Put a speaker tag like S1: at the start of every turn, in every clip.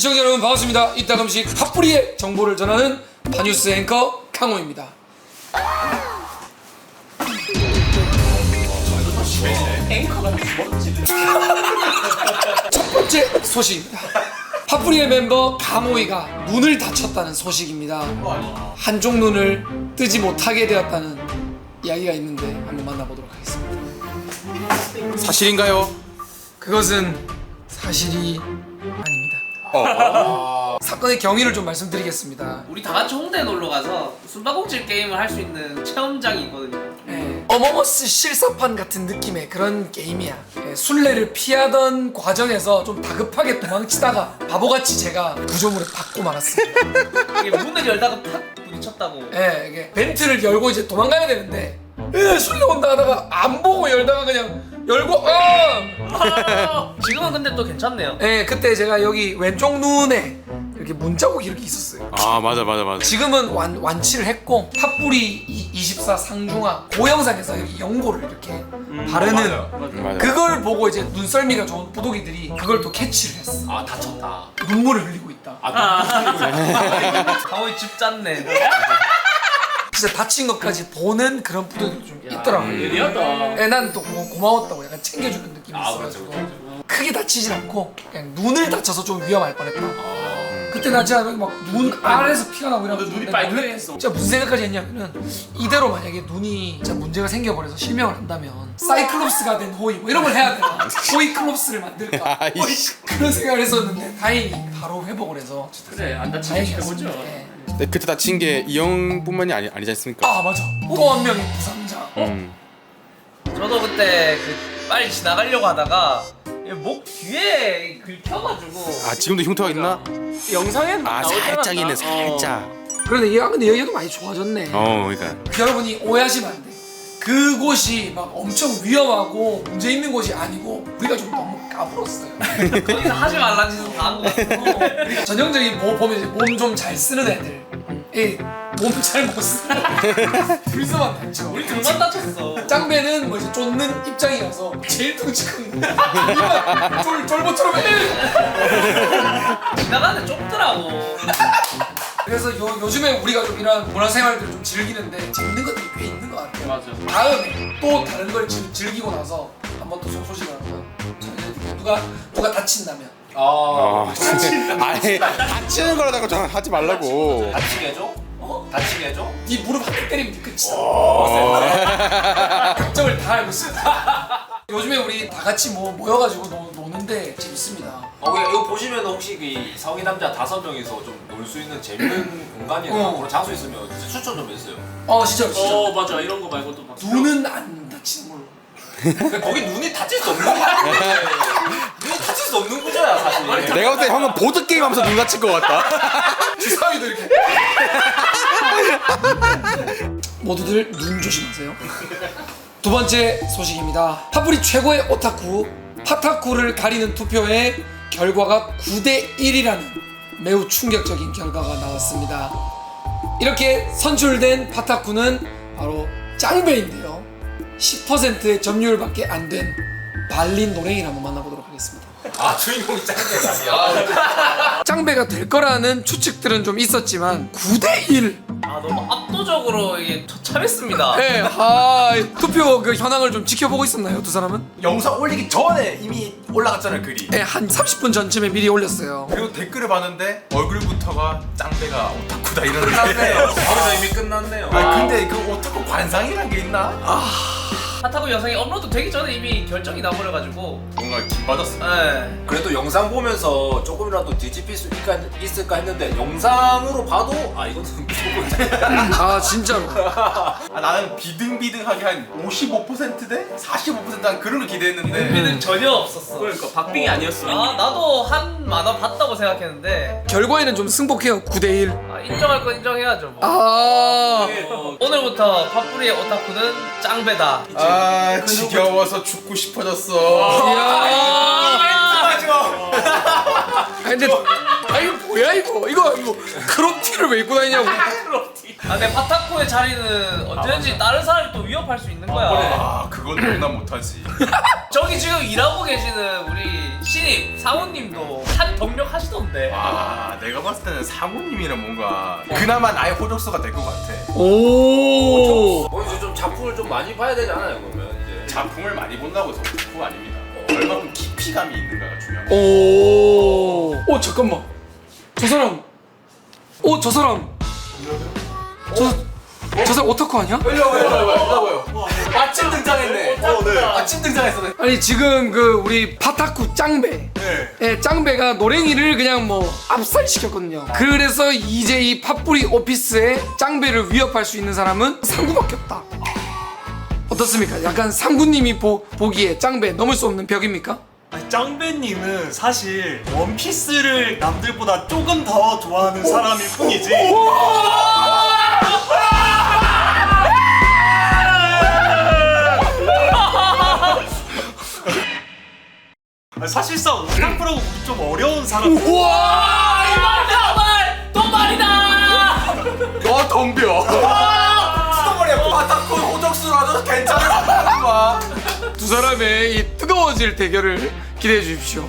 S1: 시청자 여러분 반갑습니다. 이따금씩 핫뿌리의 정보를 전하는 바뉴스 앵커 강호입니다. 첫 번째 소식입니다. 핫뿌리의 멤버 강호이가 눈을 다쳤다는 소식입니다. 한쪽 눈을 뜨지 못하게 되었다는 이야기가 있는데 한번 만나보도록 하겠습니다.
S2: 사실인가요?
S1: 그것은 사실이 아닙니다. 사건의 경위를 좀 말씀드리겠습니다.
S3: 우리 다 같이 홍대 놀러 가서 숨바꼭질 게임을 할 수 있는 체험장이 있거든요.
S1: 어머머스 실사판 같은 느낌의 그런 게임이야. 술래를 피하던 과정에서 좀 다급하게 도망치다가 바보같이 제가 구조물에 받고 말았습니다.
S3: 이게 문을 열다가 팍 부딪혔다고.
S1: 이게 벤트를 열고 이제 도망가야 되는데 술래 온다 하다가 안 보고 열다가 그냥 열고
S3: 지금은 근데 또 괜찮네요.
S1: 그때 제가 여기 왼쪽 눈에 이렇게 문자국이 이렇게 있었어요.
S2: 아 맞아.
S1: 지금은 완치를 했고 핫뿌리 24 상중하 그 영상에서 여기 연고를 이렇게 바르는
S2: 맞아.
S1: 그걸 보고 이제 눈썰미가 좋은 부독이들이 그걸 또 캐치를 했어.
S3: 아 다쳤다.
S1: 눈물을 흘리고 있다.
S3: 강호이 집 짰네.
S1: 진짜 다친 것까지 보는 그런 부독이 좀 있더라고요.
S3: 예리하다.
S1: 난 또 고마웠다고 약간 챙겨주는 느낌이 있어가지고 크게 다치진 않고 그냥 눈을 다쳐서 좀 위험할 뻔했다. 그때 나 진짜 막 눈 아래에서 피가 나고 이러고
S3: 눈이 빨개졌어.
S1: 진짜 무슨 생각까지 했냐면은 이대로 만약에 눈이 진짜 문제가 생겨버려서 실명을 한다면 사이클롭스가 된 호이 뭐 이런 걸 해야 되나 호이클롭스를 만들까
S2: 아이씨.
S1: 그런 생각을 했었는데 다행히 바로 회복을 해서
S3: 그래 안 다치게
S1: 다행이었습니다.
S3: 해보죠.
S2: 네, 그때 다친 게 이 형뿐만이 아니지 않습니까?
S1: 아 맞아 또 한 명의 부상자.
S3: 저도 그때 그 빨리 지나가려고 하다가 목 뒤에 긁혀가지고.
S2: 아 지금도 흉터가 있나?
S3: 영상엔
S2: 아 살짝 있네 살짝.
S1: 그런데 근데 여기도 많이 좋아졌네.
S2: 그러니까.
S1: 여러분이 오해하시면 안 돼. 그곳이 막 엄청 위험하고 문제 있는 곳이 아니고 우리가 좀 너무 까불었어요.
S3: 거기서 하지 말라는 짓은 다 한 거 같고.
S1: 우리가 전형적인 뭐 보면 이제 몸 좀 잘 쓰는 애들, 몸 잘 못 쓰는 불쌍한 단죠.
S3: 우리 등만 다쳤어.
S1: 짱배는 뭐 이제 쫓는 입장이라서 제일 덩치 큰 쫄보처럼
S3: 지나가는데 좁더라고.
S1: 그래서 요즘에 우리가 좀 이런 문화생활들을 좀 즐기는데 재밌는 것들이 꽤 있는 것 같아요.
S3: 맞아.
S1: 다음에 또 다른 걸 즐기고 나서 한번 또 소식을 한번 전해드릴게요. 누가 다친다면
S2: 아니 다치는 거라고 저 하지 말라고.
S3: 다치게 해줘? 다치게 해줘?
S1: 네 무릎 한 대 때리면 끝이다. 감정을 다 알고 있어. 요즘에 우리 다 같이 모여가지고 노는데 재밌습니다.
S4: 이거 보시면 혹시 그 성인 남자 5명이서 좀 놀 수 있는 재밌는 공간이나 그런 장소 있으면 진짜 추천 좀 해주세요.
S1: 진짜.
S3: 맞아 이런 거 말고 또 막.
S1: 눈은 안 다치는 걸로.
S4: 근데 거기 눈이 다칠 수 없는 거야. 눈이 다칠 수 없는 구조야 사실.
S2: 내가 볼 때 형은 보드 게임 하면서 눈 다칠 것 같다.
S1: 주사위도 이렇게. 모두들 눈 조심하세요. 두 번째 소식입니다. 핫뿌리 최고의 오타쿠 파타쿠를 가리는 투표의 결과가 9대1이라는 매우 충격적인 결과가 나왔습니다. 이렇게 선출된 파타쿠는 바로 짱배인데요. 10%의 점유율밖에 안 된 발린 노랭이를 한번 만나보도록 하겠습니다.
S4: 주인공이 짱배가 아니야.
S1: 짱배가 될 거라는 추측들은 좀 있었지만 9대1.
S3: 너무 압도적으로 이게 처참했습니다.
S1: 투표 그 현황을 좀 지켜보고 있었나요, 두 사람은?
S5: 영상 올리기 전에 이미 올라갔잖아요 글이.
S1: 한 30분 전쯤에 미리 올렸어요.
S5: 그리고 댓글을 봤는데 얼굴부터가 짱배가 오타쿠다 이러는데
S4: 거기서 이미 끝났네요.
S5: 근데 그 오타쿠 관상이란 게 있나?
S3: 핫타고 영상이 업로드 되기 전에 이미 결정이 나버려가지고.
S5: 뭔가 기받았어.
S4: 그래도 영상 보면서 조금이라도 뒤집힐 수 있을까 했는데 영상으로 봐도 이거는 무조건 짱배다.
S1: 진짜로.
S5: 나는 비등비등하게 한 55%대 45%한 그런 걸 기대했는데
S3: 우리는 전혀 없었어.
S6: 그러니까 박빙이 아니었어.
S3: 나도 한 만화 봤다고 생각했는데.
S1: 결과에는 좀 승복해요. 9대1.
S3: 인정할 건 인정해야죠 뭐.
S6: 네.
S3: 오늘부터 팝뿌리의 오타쿠는 짱배다.
S5: 지겨워서 죽고 싶어졌어.
S1: 근데 아 이거 뭐야 이거 크롭티를 왜 입고 다니냐고.
S3: 내 파타코의 자리는 언제든지 다른 사람이 또 위협할 수 있는 거야.
S5: 아 그건 용납 못하지.
S3: 저기 지금 일하고 계시는 우리 신입 사모님도 한 경력 하시던데.
S5: 아 내가 봤을 때는 사모님이랑 뭔가 그나마 나의 호적수가 될 것 같아.
S1: 오.
S4: 이제 좀 작품을 좀 많이 봐야 되지 않아요 그러면 이제.
S5: 작품을 많이 본다고 해서 그거 아닙니다. 얼마큼 깊이감이 있는가가 중요한 거.
S1: 오 잠깐만 저 사람 오타쿠 아니야?
S4: 마침 등장했네. 마침 등장했어.
S1: 아니 지금 그 우리 파타쿠 짱배 짱배가 노랭이를 그냥 뭐 압살시켰거든요. 그래서 이제 이 팥뿌리 오피스의 짱배를 위협할 수 있는 사람은 상구밖에 없다. 어떻습니까? 약간 상구님이 보기에 짱배 넘을 수 없는 벽입니까?
S6: 아니, 짱배님은 사실 원피스를 남들보다 조금 더 좋아하는 사람일 뿐이지. 아니, 사실상 오타쿠라고 보기 좀 어려운 사람.
S1: 우와!
S3: 또 말이다.
S5: 너 덤벼.
S4: 수동머리야. 파타쿠 호적수라도 괜찮은 거야.
S1: 두 사람의 이 뜨거워질 대결을 기대해 주십시오.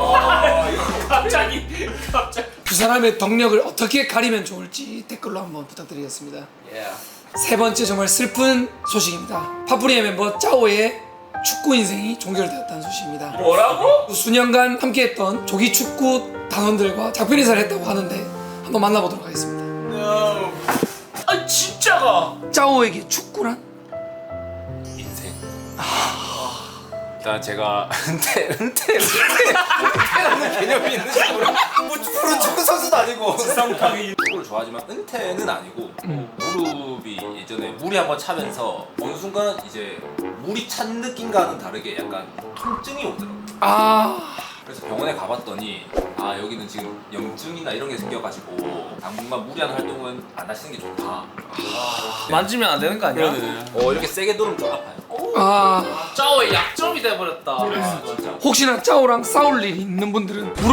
S3: 갑자기.
S1: 두 사람의 덕력을 어떻게 가리면 좋을지 댓글로 한번 부탁드리겠습니다. 세 번째 정말 슬픈 소식입니다. 팥뿌리의 멤버 짜오의 축구 인생이 종결되었다는 소식입니다.
S3: 뭐라고?
S1: 수년간 함께했던 조기 축구 단원들과 작별 인사를 했다고 하는데 한번 만나보도록 하겠습니다.
S3: 아 진짜가.
S1: 짜오에게 축구란?
S4: 인생. 일단 제가 은퇴라는 개념이 있는지 뭐 프로 축구 선수도 아니고 축구를 좋아하지만 은퇴는 아니고 무릎이 예전에 물이 한번 차면서 어느 순간 이제 물이 찬 느낌과는 다르게 약간 통증이 오더라고요. 그래서 병원에 가봤더니 여기는 지금 염증이나 이런 게 생겨가지고 당분간 무리한 활동은 안 하시는 게 좋다.
S3: 만지면 안 되는 거 아니야?
S4: 이렇게 세게 누르면 좀 아파요.
S3: 짜오의 약점이 돼버렸다.
S4: 진짜.
S1: 혹시나 짜오랑 싸울 일이 있는 분들은 무릎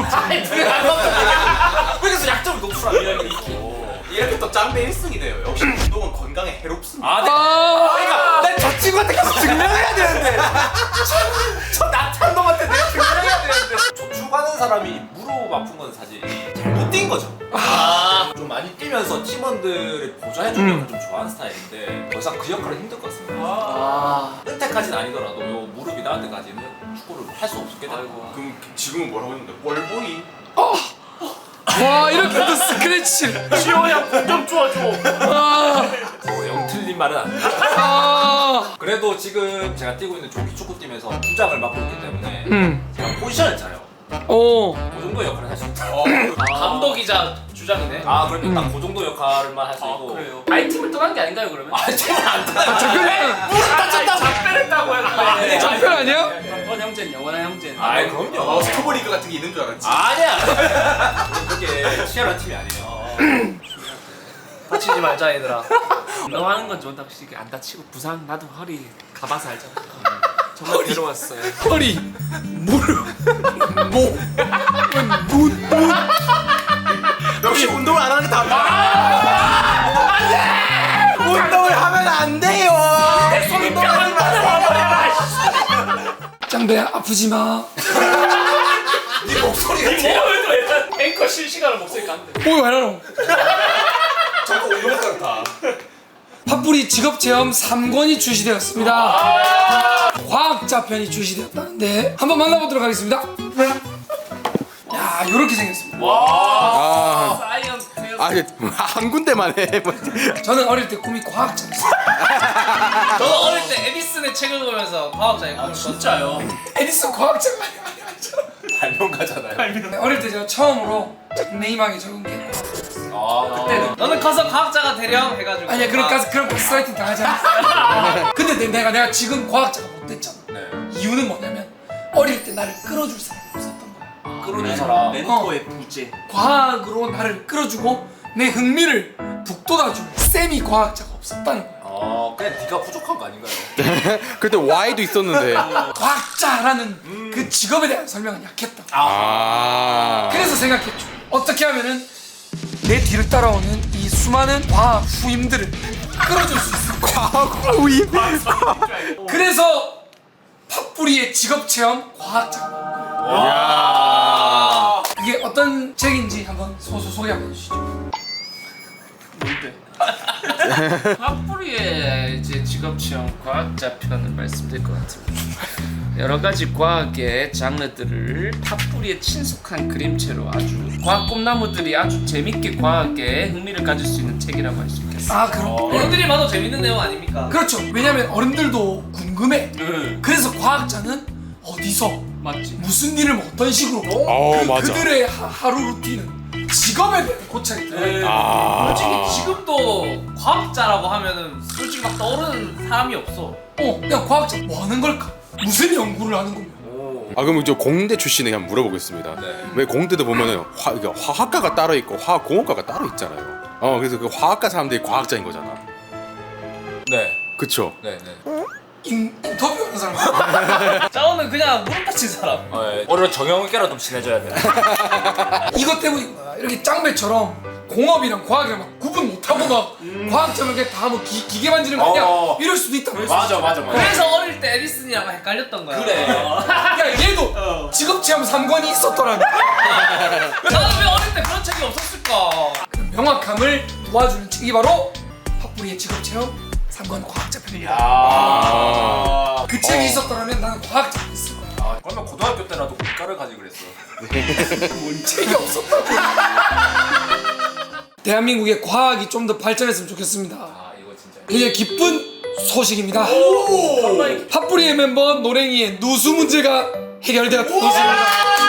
S4: 그래서 약점을 높으라
S5: 이렇게 또 짱배 1승이 돼요. 역시 운동은 건강에 해롭습니다.
S4: 그러니까 난 저 친구한테 계속 증명해야 되는데 저 나탄 놈한테 내가 증명해야 되는데 저축하는 사람이 무릎 아픈 건 사실 잘못 뛴 거죠. 좀 많이 뛰면서 팀원들을 보조해주는 걸 좀 좋아하는 스타일인데 더 이상 그 역할은 힘들 것 같습니다. 은퇴까지는 아니더라도 요 무릎이 나을 때까지는 축구를 할 수 없게 되고.
S5: 그럼 지금은 뭐라고 했는데? 볼보이?
S1: 와 이렇게 또 스크래치
S3: 지호야 공좀 줘줘.
S4: 영 틀린 말은 안 돼. 그래도 지금 제가 뛰고 있는 조기 축구팀에서 주장을 맡고 있기 때문에 제가 포지션을 짜요. 그 정도 역할을 할 수 있다.
S3: 감독이자 주장이네.
S4: 그럼 딱 그 정도 역할만 할 수 있고.
S3: 그래요. 아이팀을 떠난 게 아닌가요 그러면?
S4: 팀은 안 떠나요.
S3: 작별했다고 했는데.
S1: 작별 아니야?
S3: 영원 형제는 영원한 형제는.
S4: 그럼요.
S5: 스토브리그 같은 게 있는 줄 알았지.
S4: 아니야. 그렇게 치열한 팀이 아니에요.
S3: 다치지 말자 얘들아.
S7: 너 하는 건 좋은데 확실히 안 다치고 부상 나도 허리 가봐서 알잖아. 정말 괴로웠어요.
S1: 허리 무릎 목 눈
S5: 역시 운동을 안 하는 게 답이야.
S4: 운동을 하면 안 돼요. 운동하지 마세요.
S1: 짱배야 아프지 마.
S4: 네 목소리가
S3: 앵커 실시간으로 목소리 깐데.
S1: 왜 이러노?
S4: 저거 운동 같다.
S1: 팥뿌리 직업체험 3권이 출시되었습니다. 과학자 편이 출시되었다는데 한번 만나보도록 하겠습니다. 야 이렇게 생겼습니다.
S3: 사이언스.
S2: 한 군데만 해.
S1: 저는 어릴 때 꿈이 과학자였어요.
S3: 저도 어릴 때 에디슨의 책을 보면서 과학자의 꿈을
S7: 진짜요?
S1: 에디슨 과학자가
S4: 발명가잖아요.
S1: 어릴 때 제가 처음으로 닉네임하게 적은 게
S4: 그때는
S3: 너는 커서 과학자가 되렴 해가지고.
S1: 아니야 그런 가스라이팅 당하지 않았어. 근데 내가 지금 과학자가 못 됐잖아. 이유는 뭐냐면 어릴 때 나를 끌어줄 사람이 없었던 거야.
S4: 끌어준 사람.
S7: 멘토의 부재.
S1: 과학으로 나를 끌어주고 내 흥미를 북돋아줄 쌤이 과학자가 없었다는 거야.
S4: 그냥 네가 부족한 거 아닌가요?
S2: 그때 Y도 있었는데.
S1: 과학자라는 그 직업에 대한 설명은 약했다.
S2: 아.
S1: 그래서 생각했죠. 어떻게 하면은 내 뒤를 따라오는 이 수많은 과학 후임들을 끌어줄 수 있어.
S2: 과학 후임.
S1: 그래서 팥뿌리의 직업체험 과학자. 이게 어떤 책인지 한번 소개 한번 해주시죠.
S7: 팥뿌리의 이제 직업체험 과학자 편을 말씀드릴 것 같습니다. 여러 가지 과학의 장르들을 팥뿌리에 친숙한 그림체로 아주 과학 꿈나무들이 아주 재밌게 과학에 흥미를 가질 수 있는 책이라고 할 수 있겠습니다.
S1: 아 그럼.
S3: 어른들이 봐도 재밌는 내용 아닙니까?
S1: 그렇죠. 왜냐면 어른들도 궁금해.
S7: 네.
S1: 그래서 과학자는 어디서
S7: 맞지?
S1: 무슨 일을 뭐 어떤 식으로
S2: 맞아.
S1: 그들의 하루 루틴은 직업에 대한 고찰이 들어요.
S3: 솔직히 지금도 과학자라고 하면은 솔직히 막 떠오르는 사람이 없어.
S1: 그냥 과학자 뭐 하는 걸까? 무슨 연구를 하는 겁니까?
S2: 아 그럼 저 공대 출신에 한번 물어보겠습니다. 왜 공대도 보면은 화학과가 따로 있고 화학공학과가 따로 있잖아요. 그래서 그 화학과 사람들이 과학자인 거잖아.
S4: 네.
S2: 그쵸?
S4: 네.
S1: 인터뷰하는 사람.
S3: 짜오는 그냥 무릎 다친 사람.
S4: 오늘 정형외과랑 좀 친해져야 돼.
S1: 이것 때문인 거야. 이렇게 짱배처럼 공업이랑 과학이랑 막 구분 못하고 막 과학자면 그냥 다 뭐 기계 만지는 거 아니야? 이럴 수도 있다.
S4: 맞아.
S3: 그래서 어릴 때 에디슨이랑 헷갈렸던 거야.
S4: 그래.
S1: 야 얘도 직업체험 3관이 있었더라면
S3: 나는 왜 어릴 때 그런 책이 없었을까?
S1: 명확함을 도와주는 책이 바로 팥뿌리의 직업체험 3관 과학자 편입니다. 그 책이 있었더라면 나는 과학자가 됐을 거야.
S4: 그러면 고등학교 때라도 국가를 가지 그랬어.
S1: 책이 없었다고. 대한민국의 과학이 좀 더 발전했으면 좋겠습니다.
S4: 이거 진짜.
S1: 굉장히 기쁜 소식입니다. 팥뿌리의 멤버 노랭이의 누수 문제가 해결되었다는 소식입니다.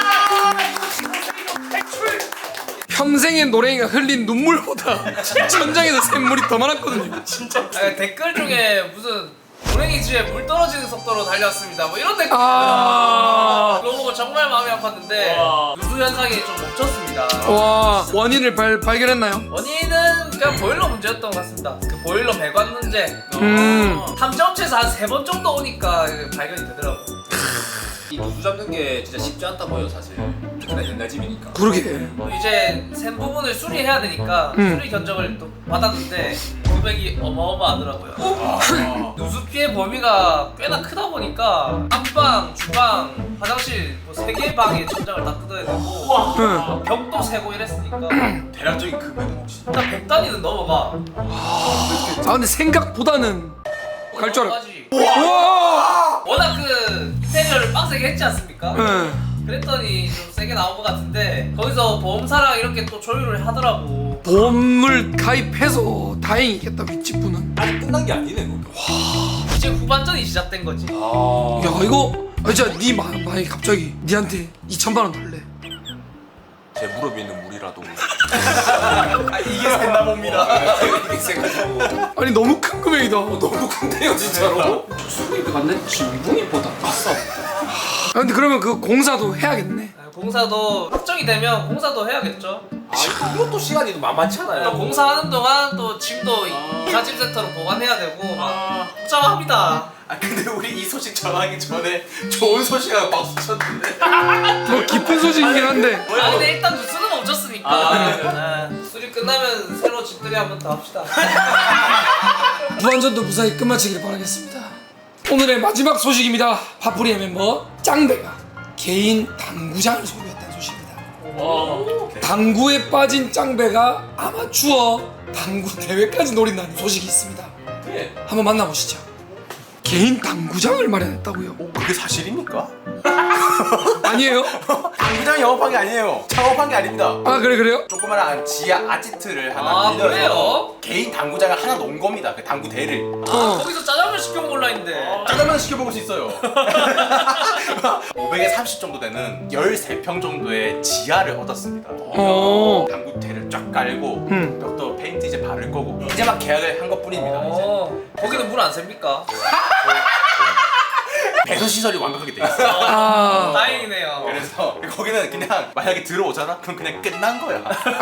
S1: 평생의 노랭이가 흘린 눈물보다 천장에서 샘물이 더 많았거든요.
S3: 댓글 중에 무슨 고랭이 집에 물 떨어지는 속도로 달렸습니다. 뭐 이런 댓글.
S1: 아,
S3: 그거 보고 정말 마음이 아팠는데 누수 현상이 좀 멈췄습니다.
S1: 와, 원인을 발견했나요?
S3: 원인은 그냥 보일러 문제였던 것 같습니다. 그 보일러 배관 문제. 탐정업체에서 한 3번 정도 오니까 발견이 되더라고.
S4: 이 누수 잡는 게 진짜 쉽지 않다 보여 사실. 특히나 옛날 집이니까.
S1: 그러게.
S3: 또 이제 샘 부분을 수리해야 되니까 수리 견적을 또 받았는데 금액이 어마어마하더라고요. 누수 피해 범위가 꽤나 크다 보니까 안방, 주방, 화장실 뭐 3개의 방에 천장을 다 뜯어야 되고 벽도 세고 이랬으니까
S5: 대략적인 금액은 혹시?
S3: 일단 100단위는 넘어가.
S1: 아, 근데 생각보다는 갈 줄 알아.
S3: 넘어가지.
S1: 와!
S3: 워낙 그 인테리어를 빡세게 했지 않습니까?
S1: 응.
S3: 그랬더니 좀 세게 나온 것 같은데 거기서 보험사랑 이렇게 또 조율을 하더라고.
S1: 보험을 가입해서 다행이겠다, 윗집분은.
S4: 아직 끝난 게 아니네 그거.
S3: 이제 후반전이 시작된 거지.
S1: 야, 이거 진짜 네 마이 갑자기 니한테 2,000만 원 달래.
S4: 제 무릎에 있는 물이라도.
S5: 이게 샜나 봅니다.
S4: 이게 세가지고.
S1: 아니 너무 큰 금액이다.
S4: 너무 큰데요 진짜로.
S7: 수리비가 내 지붕이보다 비싸.
S1: 아, 근데 그러면 그 공사도 해야겠네.
S3: 공사도 확정이 되면 공사도 해야겠죠.
S4: 이것도 시간이 만만치 않아요.
S3: 공사하는 동안 또 짐도 이사짐 센터로 보관해야 되고 막 복잡합니다.
S5: 근데 우리 이 소식 전하기 전에 좋은 소식하고 박수 쳤는데.
S1: 뭐 기쁜 소식이긴 한데.
S3: 근데 일단 누수는 멈췄으니까 수리 끝나면 새로 집들이 한번 더 합시다.
S1: 무한전도 무사히 끝마치기를 바라겠습니다. 오늘의 마지막 소식입니다. 팥뿌리의 멤버 짱배가 개인 당구장을 소유했다는 소식입니다. 당구에 빠진 짱배가 아마추어 당구 대회까지 노린다는 소식이 있습니다. 한번 만나보시죠. 개인 당구장을 마련했다고요?
S5: 그게 사실입니까?
S1: 아니에요?
S5: 당구장 영업한 게 아니에요. 창업한 게 아닙니다.
S1: 아 그래요?
S5: 조그마한 지하 아지트를 하나 빌려서
S3: 그래요?
S5: 개인 당구장을 하나 놓은 겁니다. 그 당구대를.
S3: 거기서 짜장면 시켜 먹을라 했는데.
S5: 짜장면 시켜 먹을 수 있어요. 500에 30 정도 되는 13평 정도의 지하를 얻었습니다. 당구대를 쫙 깔고 벽도 페인트 이제 바를 거고 이제 막 계약을 한 것뿐입니다. 이제.
S3: 거기는 물 안 셉니까?
S5: 배수 시설이 완벽하게 돼 있어.
S1: 아,
S3: 다행이네요.
S5: 그래서 거기는 그냥 만약에 들어오잖아? 그럼 그냥 끝난 거야.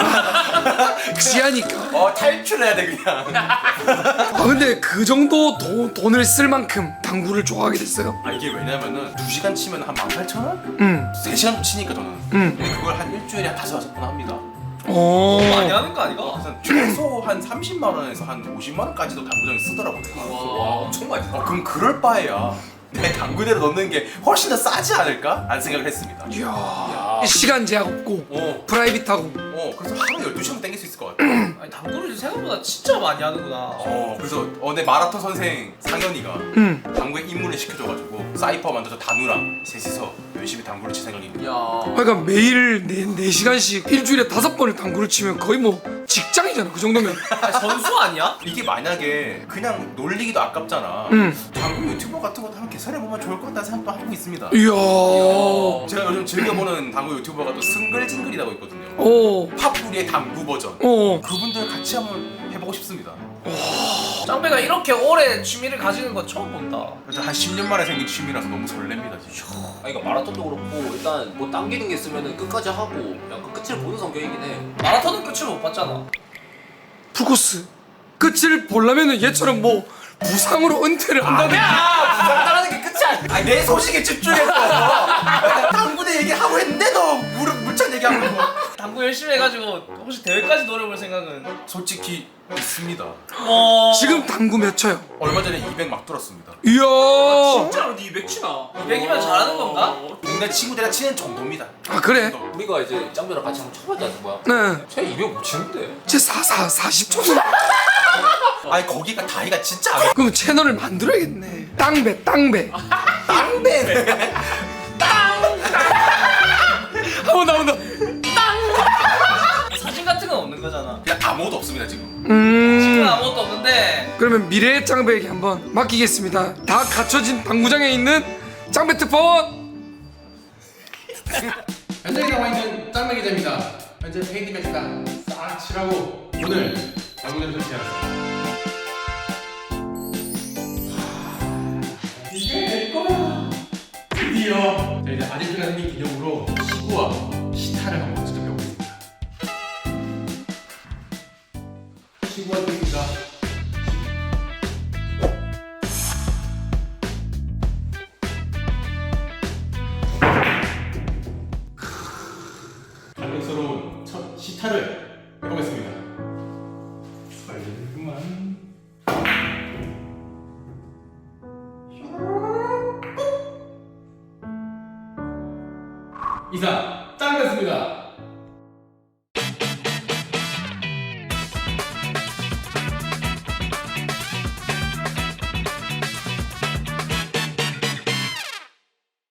S1: 지하니까.
S5: 탈출해야 돼 그냥.
S1: 아 근데 그 정도 돈을 쓸 만큼 당구를 좋아하게 됐어요?
S5: 이게 왜냐면은 2시간 치면 한 18,000원?
S1: 응.
S5: 3시간 치니까 저는.
S1: 응.
S5: 근데 그걸 한 일주일에 한 5-6번 합니다.
S1: 오.
S3: 많이 하는 거 아니가?
S5: 그래서 최소 한 30만 원에서 한 50만 원까지도 당구장에 쓰더라고요.
S4: 와 엄청 많이 써.
S5: 그럼 그럴 바에야 내 당구대로 넣는 게 훨씬 더 싸지 않을까? 라는 생각을 했습니다.
S1: 이야. 시간 제약 없고 프라이빗하고.
S5: 그래서 하루 12시간 땡길 수 있을 것 같아.
S3: 아니, 당구를 생각보다 진짜 많이 하는구나.
S5: 그래서 내 마라톤 선생 상현이가
S1: 응.
S5: 당구에 입문을 시켜줘가지고 사이퍼 만들어서 다누랑 셋이서 열심히 당구를 칠 생각입니다.
S1: 그러니까 매일 4시간씩 일주일에 5번을 당구를 치면 거의 뭐 직장이잖아 그 정도면.
S3: 아니, 선수 아니야?
S5: 이게 만약에 그냥 놀리기도 아깝잖아.
S1: 응.
S5: 당구 유튜버 같은 것도 한번 개설해보면 좋을 것 같다는 생각도 하고 있습니다.
S1: 이야.
S5: 제가 요즘 즐겨보는 당구 유튜버가 또 승글징글이라고 있거든요.
S1: 오.
S5: 팝뿌리의 당구 버전.
S1: 오.
S5: 그분들 같이 한번 해보고 싶습니다.
S3: 짱배가 이렇게 오래 취미를 가지는 거 처음 본다.
S5: 그래서 한 10년 만에 생긴 취미라서 너무 설렙니다 지금.
S4: 이거 마라톤도 그렇고 일단 뭐 당기는 게 있으면은 끝까지 하고 약간 끝을 보는 성격이긴 해.
S3: 마라톤은 끝을 못 봤잖아.
S1: 풀코스. 끝을 보려면은 얘처럼 뭐 부상으로 은퇴를 한다든지.
S4: 따라하는 게 끝이 아니야.
S5: 내 소식에 집중해서 당구대 얘기하고 했는데도 물찬 얘기하고.
S3: 당구 열심히 해가지고 혹시 대회까지 노려볼 생각은?
S5: 솔직히 있습니다.
S1: 지금 당구 몇 쳐요?
S5: 얼마 전에 200 막 뚫었습니다.
S1: 이야.
S7: 진짜로 니 200치나?
S3: 200이면 잘하는 건가?
S5: 동네 친구들이랑 치는 정도입니다.
S1: 아 그래?
S4: 우리가 이제 짱배랑 같이 한번 쳐봤지 않습니까?
S1: 네.
S4: 쟤 200 못 치는데.
S1: 제 40초는.
S5: 아니 거기가 다이가 진짜 안
S1: 그럼 채널을 만들어야겠네. 땅배.
S5: 땅배.
S1: 한번 나온다.
S3: 사진 같은 건 없는 거잖아.
S5: 그냥 아무것도 없습니다 지금.
S3: 지금 아무것도 없는데
S1: 그러면 미래의 짱배에게 한번 맡기겠습니다. 다 갖춰진 당구장에 있는 짱배 특파원.
S2: 현장에 나와 있는 짱배 기자입니다. 현재 페인트 매트가 싹 칠하고 오늘 당구장 설치하였습니다. 이게 내 거야. 드디어 이제 아지트가 생긴 기념으로 시구와 시타를 한번 직접 해보겠습니다. 시구와 드립니다. 감격스러운 첫 시타를 해보겠습니다. 설레구만. 이상